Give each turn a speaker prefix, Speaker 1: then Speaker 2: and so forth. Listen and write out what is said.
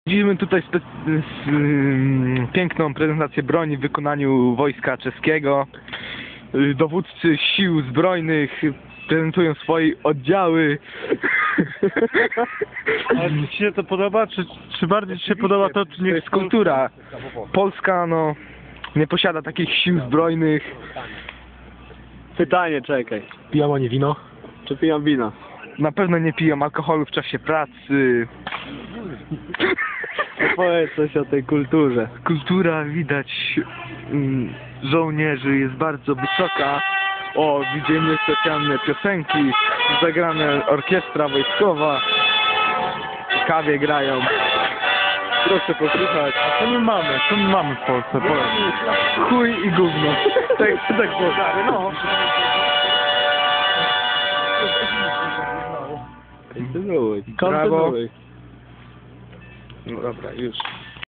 Speaker 1: Widzimy tutaj piękną prezentację broni w wykonaniu wojska czeskiego. Dowódcy sił zbrojnych prezentują swoje oddziały.
Speaker 2: A czy ci się to podoba? Czy bardziej ci się podoba to, czy
Speaker 1: To
Speaker 2: nie
Speaker 1: jest kultura. Polska nie posiada takich sił zbrojnych.
Speaker 2: Pytanie, czekaj.
Speaker 3: Pijam, a nie wino?
Speaker 2: Czy piją wino?
Speaker 1: Na pewno nie piją alkoholu w czasie pracy.
Speaker 2: Opowiedz coś o tej kulturze.
Speaker 1: Kultura widać żołnierzy jest bardzo wysoka. O, widzimy specjalne piosenki, zagrane orkiestra wojskowa, kawie grają. Proszę posłuchać.
Speaker 2: Co my mamy? Co my mamy w Polsce? Powiedz.
Speaker 1: Chuj i gówno. Tak było.
Speaker 2: No.
Speaker 1: Kontynuuj.
Speaker 2: Kontynuuj.
Speaker 1: No dobra, już.